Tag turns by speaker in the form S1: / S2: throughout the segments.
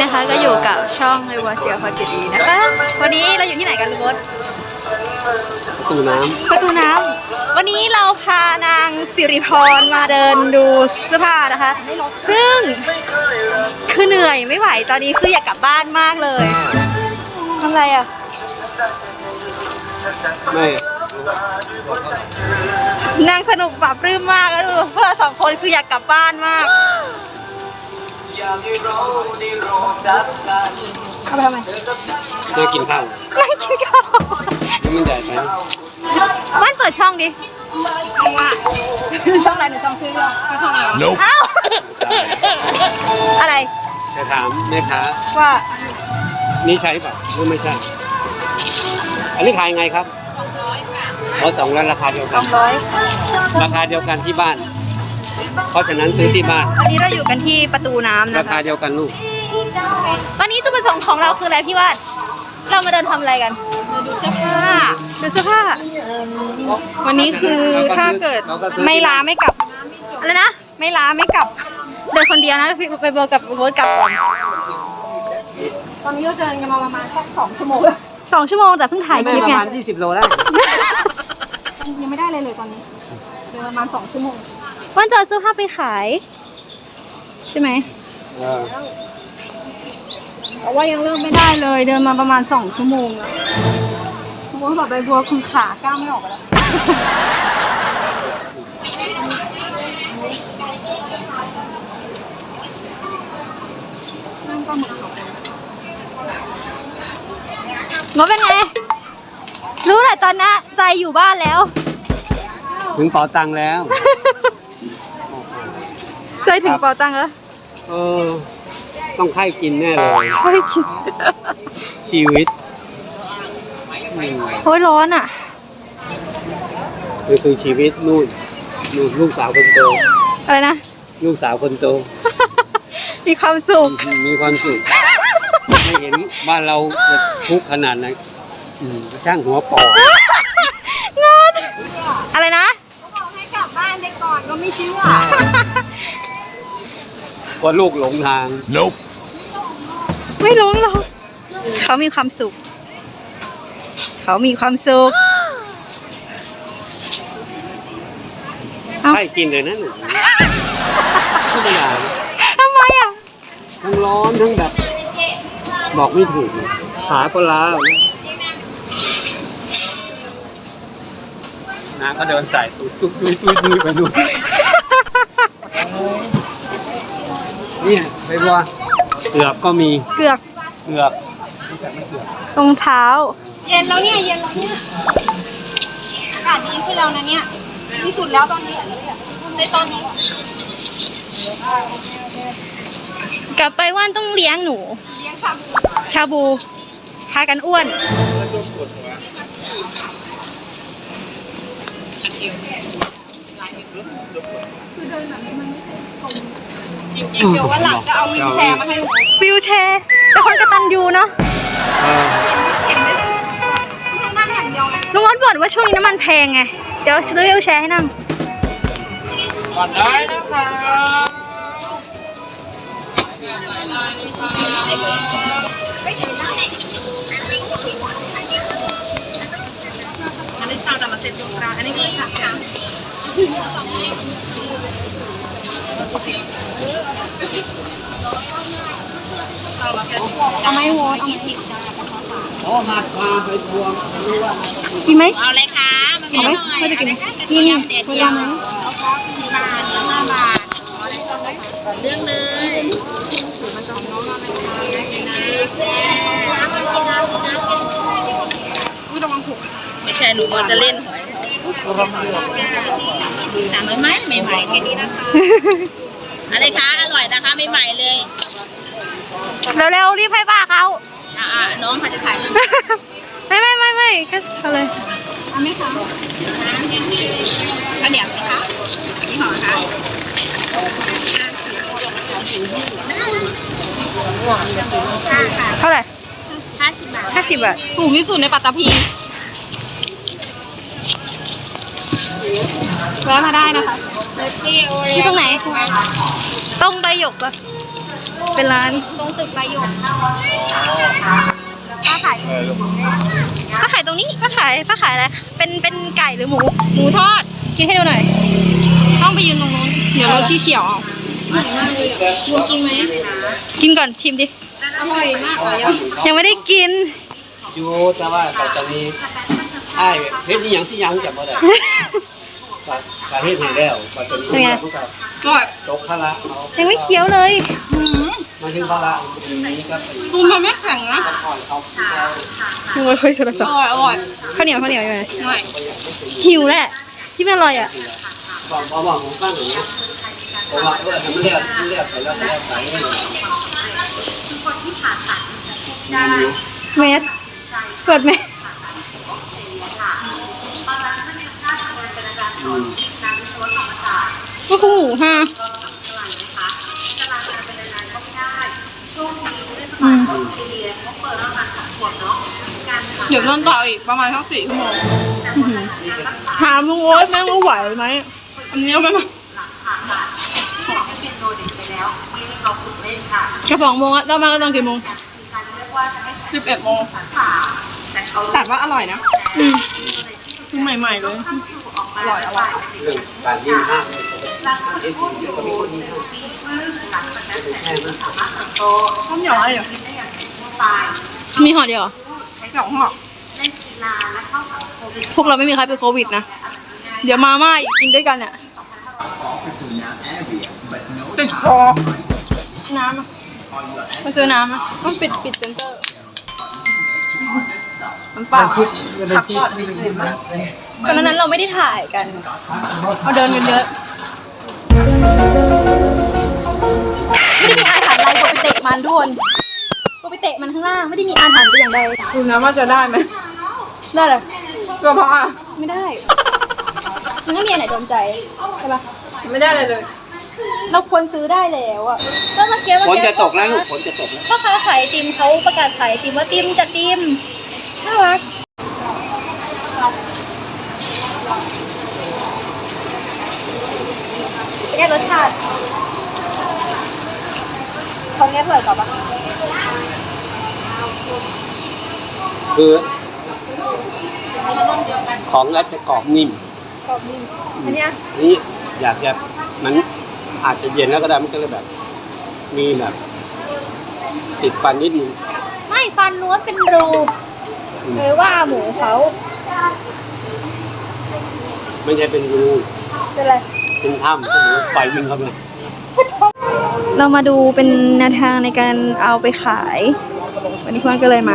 S1: นะคะก็อยู่กับช่องไอวาเซียพอจิดีนะคะวันนี้เราอยู่ที่ไหนกันลุงมด
S2: ประตูน้
S1: ำวันนี้เราพานางสิริพรมาเดินดูเสื้อผ้านะคะซึ่งคือเหนื่อยไม่ไหวตอนนี้คืออยากกลับบ้านมากเลยทำไรอ่ะ
S2: ไม่
S1: นางสนุกปรับปลื้มมากแล้วดูพวกเราสองคนคืออยากกลับบ้านมากเอาไปทำไม
S2: จะกินข้าว
S1: ไม่กินข้าว
S2: มันใหญ่ไป
S1: บ้านเปิดช่องดิช่องว่าช่องอะไรหนูช่องชื่อช่องอะไรอ้าวอะไร
S2: จะถามแม่ค้า
S1: ว่า
S2: นี่ใช่ป่ะหรือไม่ใช่อันนี้ขายไงครับ200ราคาเดียวกันราคาเดียวกันที่บ้านเพราะฉะนั้นซื้อที่บ้าน
S1: วันนี้เราอยู่กันที่ประตูน้ำนะคะ
S2: ราคาเดียวกันลูก
S1: วันนี้จุดประสงค์ของเราคืออะไรพี่วาดเรามาเดินทำอะไรกันดูเสื้อผ้าวันนี้คือถ้าเกิดไม่ล้าไม่กลับอะไรนะไม่ล้าไม่กลับเดินคนเดียวนะไปเบอร์กับโบ๊ทกลับก่อนตอนนี้เราเดินกันมาประมาณสัก2 ชั่วโมงแต่เพิ่งถ่ายคลิปไง
S2: ประมาณ20 โลได้
S1: ยังไม่ได้เลยตอนนี้เดินประมาณ2 ชั่วโมงวันจะเอาเสื้อผ้าไปขายใช่ไหมเพราะว่ายังเริ่มไม่ได้เลยเดินมาประมาณ2 ชั่วโมงแล้วบัวแบบใบบัวคือขาก้าวไม่ออกแล้วนั่งก็มือมันเป็นไงรู้แหละตอนนี้ใจอยู่บ้านแล้ว
S2: ถึงเป๋าตังค์แล้ว
S1: ใจถึงเป๋าตังค์แล้ว
S2: ต้องไข้กินแน่เลย
S1: ไข้กิน
S2: ชีวิต
S1: โอ้ยร้อนอ่ะ
S2: คือชีวิตนู่นลูกสาวคนโต
S1: อะไรนะ
S2: ลูกสาวคนโต
S1: มีความสุข
S2: ไม่เห็นบ้านเราจะทุกข์ขนาดไหนช่างหัวปอก
S1: งอนอะไรนะเขาบอกให้กลับบ้านไปก่อนก็ไม่เชื่อ
S2: ว่าลูกหลงทาง
S3: Nope
S1: ไม่หลงหรอกเขามีความสุข
S2: ให้กินเลยนะหนูไม่ได้
S1: ทำไมอ่ะ
S2: ทั้งร้อนทั้งแบบบอกไม่ถูกขาก็ล้าน้าก็เดินใส่ตุ้ยไปดูเนี่ยไปบัวเกือบก็มี
S1: เกือบรองเท้าเย็นแล้วเนี่ยอากาศดีขึ้นแล้วนะเนี่ยที่สุดแล้วตอนนี้กลับไปว่านต้องเลี้ยงหนูชาบูพากันอ้วนเดี๋ยววันหลังจะเอาวิวแชร์มาให้วิวแชร์แต่คนกตัญญูเนาะลุงอ้นบ่นว่าช่วงนี้น้ำมันแพงไงเดี๋ยวซื้อวิวแชร์ให้นั่ง
S2: ก่อนได้นะคะ
S1: อันนี้ตามมาเซ็ตจุกราอันนี้ก็เลยค่ะเอาไหมโว้เอา
S2: มาไปทวง
S1: กินไหม
S4: เอาเลยค่ะ
S1: เอาไหมไม่จะกินกินเวลาไหม
S4: 10 บาทแล้ว5 บาทเรื่องเลยไม่ใช่หนูว่าจะเล่นหอยถามไหมใหม่ๆแค่นี้นะคะอะไรคะอร่อยนะคะใหม่ๆเลย
S1: เร็วๆรีบให้ป้าเขา
S4: น้องเขาจะถ่าย
S1: ไม่ก็เอาเลยเอาไหมคะ
S4: ข้าวเหนียวไหมคะนี่ห่อค่ะ
S1: เท่าไหร่
S4: 50 บาท
S1: ถูกที่สุดในปัตตภีแวะมาได้นะคะที่ตรงไหนตรงใบหยกปะเป็นร้าน
S4: ตรงตึกใบหยก
S1: ป้าขายตรงนี้ป้าขายอะไรเป็นไก่หรือหมู
S4: หมูทอด
S1: กินให้ดูหน่อย
S4: ต้องไปยืนตรงนู้นเดี๋ยวเราขี้เขียวเอาบูมกินไหม
S1: กินก่อนชิมดิ
S4: อร่อยมากเลยอ่ะ
S1: ยังไม่ได้กิน
S2: อยู่แต่ว่าปัตตานีไอ้เฮ็ดนี่ยังที่ยังจับบ่ได้การเฮ็ดให้แล้วปัตตานี
S1: เป็นไง
S4: อร่อย
S2: ตกพละ
S1: ยังไม่เคี้ยวเลย
S2: มาถึงพละนี้ก็ไป
S4: บูมมันไม่แข็งนะ
S2: ถอนเขา
S1: โอ้ยเฮ้ยโทรศัพท์
S4: อร่อย
S1: ข้าวเหนียวอยู่ไหน
S4: อร่อย
S1: หิวแหละที่ไม่อร่อยอ่ะ
S2: บอกผมฟังอย่างนี้ผมว่าทำเรียบไปแล้วไป
S1: เม็ดเปิดเม็ดก็คือหมูฮะ
S4: เดี๋ยวเดินต่ออีกประมาณสัก4 ชั่วโมง
S1: ถามลุงโอ๊ตแม่งว่าไหวไหม
S4: อันนี้เอาไปมา
S1: จะ2 โมงอะเรามากันตอนกี่โมง
S4: 11 โมงแต่ว่าอร่อยนะใหม่ๆเลยอร่อย
S2: เรื่องการยิ้มห้ามก็มีคนนี้
S4: ต้มยำอะไรเหรอ
S1: มีห่อเดียวเหรอ
S4: 2 ห่อ
S1: พวกเราไม่มีใครเป็นโควิดนะ เดี๋ยวมาม่าอีกกินด้วยกันเนี่ยติดคอน้ำอะมาซื้อน้ำอะต้องปิดเซ็นเตอร์น้ำเปล่าผักทอดตอนนั้นเราไม่ได้ถ่ายกันเราเดินกันเยอะไม่ได้มีอาถรรพ์อะไรกูไปเตะมันทุกคนกูไปเตะมันข้างล่างไม่ได้มีอาถรรพ์แต่อย่างใด
S4: คุณนะว่าจะได้ไหม
S1: ได้เลย
S4: กระเพาะอ่ะ
S1: ไม่ได้ มันไม่มีอันไหนโดนใจใช่ปะ
S4: ไม่ได้เลย
S1: เราควรซื้อได้แล้วอะก็เมื่อกี้
S2: ฝนจะตกแล้วลูกฝนจะตกแล้ว
S1: พ่อค้าขายไอติมเขาประกาศขายไอติมว่าติมจะติมน่ารักเป็นไงรสชาติของนี้อร่อยกว่าปะ
S2: คือของแล้วจะกรอบนิ่ม
S1: กรอบนิ่มอันเนี้ย
S2: นี่อยากจะมันอาจจะเย็นแล้วก็ได้มันก็เลยแบบ มีแบบ ติดฟันนิดนึง
S1: ไม่ฟันล้วนเป็นรูเลยว่าหมูเขา
S2: ไม่ใช่เป็นรู
S1: เป็นอะไร
S2: เป็นถ้ำเป็นไฟวิ่งเข้าไป
S1: เรามาดูเป็นแนวทางในการเอาไปขาย วันนี้เพื่อนก็เลยมา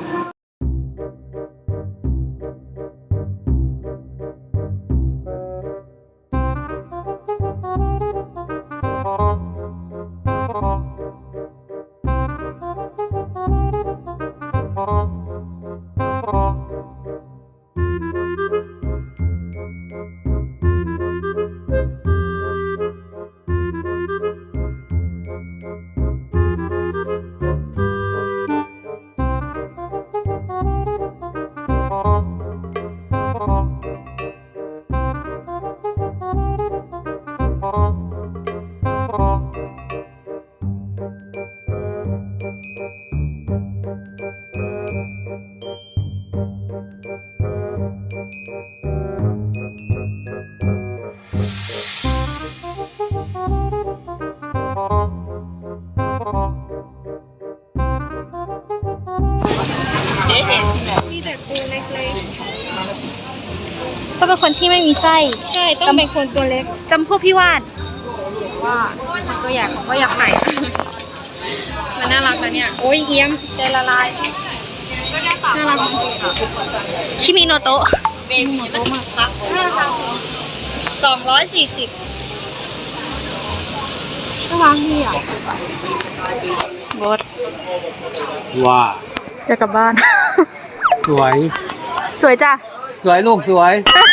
S1: มีแต่ตัวเล็กๆก็เป็นคนที่ไม่มีไส้ ใช่ ต้องเป็นคนตัวเล็กจำพวกพี่วาด
S4: ว่าก็อยากไข่มันน่ารักนะเนี่ยโอ้ยเอี้ยมใจละลายน่ารัก
S1: ชิมิโนโตะ
S4: เบบีมันพัก240
S1: น่ารักดีอ่ะบด
S2: ว้า
S1: จะกลับบ้าน
S2: สวย
S1: สวยจ้ะ
S2: สวยลูกสวย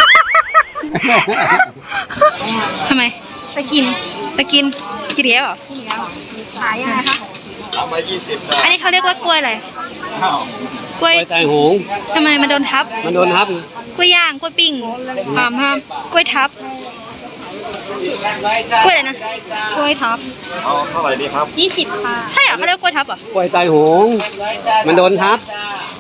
S1: ทำไม
S4: จะกิน
S1: จะกินเลี้ยวเหรอ
S4: ขายยังไงคะ
S2: เอามา20
S1: อันนี้เขาเรียกว่ากล้วยอะไรกล้วย
S2: ไตหง
S1: ทำไมมันโดนทับ
S2: มันโดนทับ
S1: กล้วยย่างกล้วยปิ้ง
S4: ห้าม
S1: กล้วยทับ
S2: น
S1: กล้วยอะไรนะกล้วยทับ
S3: เอาเท่าไหร่ดีครับ
S1: 20ค่ะใช่เหรอเขาเรียกกล้วยทับเหรอก
S2: ล้วยไตหงส์มันโดนทับ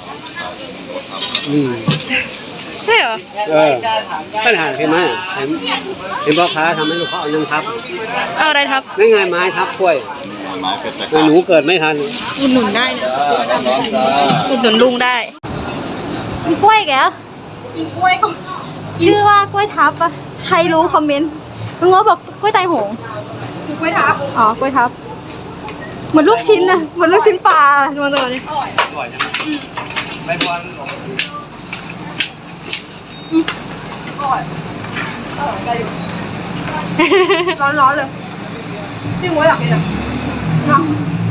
S2: อืม
S1: ใช่เหรอ
S2: ปัญหาเห็นไหมเห็นพ่อค้าทำให้ลูกเขาเอายังทับ
S1: เอาอะไรทับ
S2: ไม่ไงไม้ทับกล้วย
S3: ไม้เป็น
S2: หนูเกิดไม่ทัน
S1: อุดหนุนได้นะ
S3: ร้อนจ้า
S1: อุดหนุนลุงได้กินกล้วยแกกินกล้วยก็ชื่อว่ากล้วยทับปะใครรู้คอมเมนต์ลุงว่าบอกกล้วยไตหงกล้วยทับอ๋อกล้วยทับเหมือนลูกชิ้นนะเหมือนลูกชิ้นปลาดูมาตัวนี้
S2: อร่อยนะใบบอล
S1: ร้อนๆเลยพี่มวยอยากกินอ่ะเนาะ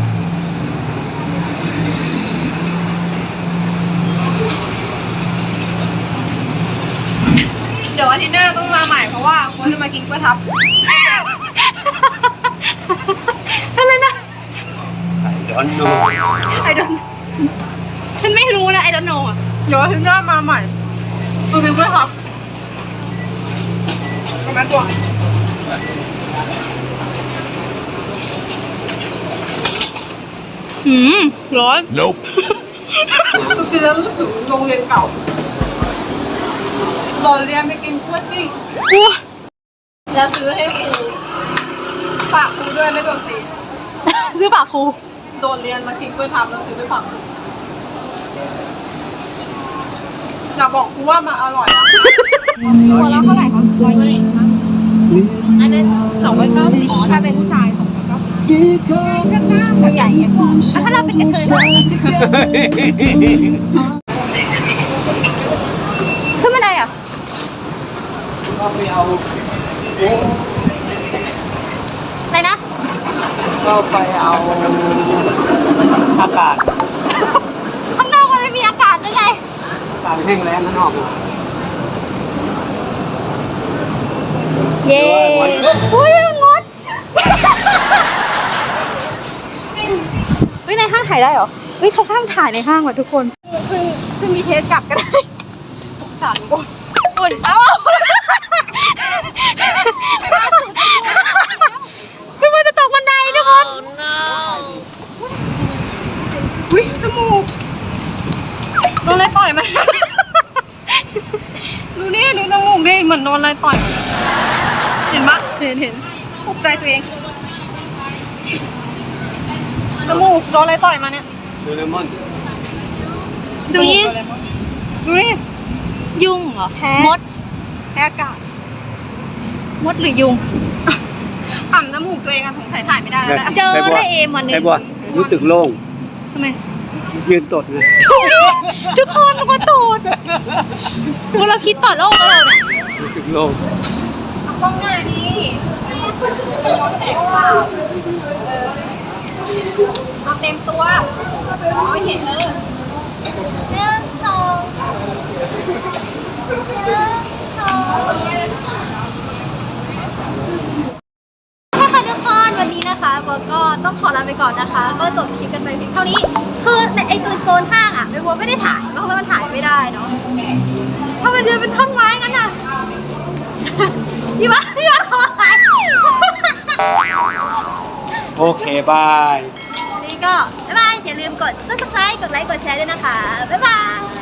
S1: เดี๋ยวอาทิตย์หน้าต้องมาใหม่เพราะว่าคนจะมากินกล้วยทับอะไรนะ
S2: ไอ้ดอนโน
S1: ไอดอนฉันไม่รู้นะไอดอนโนอ่ะเดี๋ยวอาทิตย์หน้ามาใหม่มากินกล้วยทับทำไมก่อนร้อน
S3: Nope
S1: คือกินแล้วรู้สึกโรงเรียนเก่าตอนเรียนไปกินกล้วยปิ้งแล้วซื้อให้ครูฝากครูด้วยไม่โดนตี ซื้อฝากครูโดนเรียนมากินกล้วยทับแล้วซื้อไปฝากครูอยากบอกครูว่ามาอร่อยนะตัวละเท่าไหร่คะ120อันนั้น290อ๋อถ้าเป็นผู้ชาย290ตัวใหญ่ไงถ้าเราเป็นกระเทยขึ้นมาได้อ่ะ
S2: ก็ไปเอา
S1: อะไรนะ
S2: ก็ไปเอาอากาศ
S1: ข้างนอกมันไม่มีอากาศได้ไง
S2: อากาศแห้งแล้งข้างนอก
S1: เย้อุ้ยงดเฮ้ยในห้างถ่ายได้เหรอเฮ้ยเขาห้ามถ่ายในห้างว่ะทุกคนคือมีเทสกลับก็ได้สารอุ่นเอ้าพี่มันจะตกบันไดทุกคนอุ้ยจมูกโดนอะไรต่อยมันดูนี่ดูจมูกดิเหมือนโดนอะไรต่อยมันเห็นปะเห็นภูมิใจตัวเองจมูกโดนอะไรต่อยมาเนี่ย
S2: โดเรมอน
S1: ดูนี่ดูนี่ยุงเหรอมดแพ้อากาศมดหรือยุงขำจมูกตัวเองอะผมถ่ายไม่ได้แล้วแหละเจอได้เอมวันนึง
S2: ไอ้บัวรู้สึกโล่ง
S1: ทำไม
S2: ยืนตดเลย
S1: ทุกคนมันก็ตูดมลพิษต่อโลกเราเนี่ย
S2: รู้สึกโล่ง
S1: เอากล้องหน้าดิย้อนแสงเปล่าเอาเต็มตัวไม่เห็น1 2 1 2ค่ะทุกคนวันนี้นะคะโบก็ต้องขอลาไปก่อนนะคะ ก็จบคลิปกันไปเพียงเท่านี้คือในไอตัวโซนห้างอ่ะโบไม่ได้ถ่ายเพราะว่ามันถ่ายไม่ได้เนาะถ้ามันเดินเป็นท่อนไม้งั้นอ่ะพี่ว่าขอถ่าย
S2: โอเคบาย
S1: นี่ก็บ๊ายบายอย่าลืมกด subscribe กดไลค์กดแชร์ด้วยนะคะบ๊ายบาย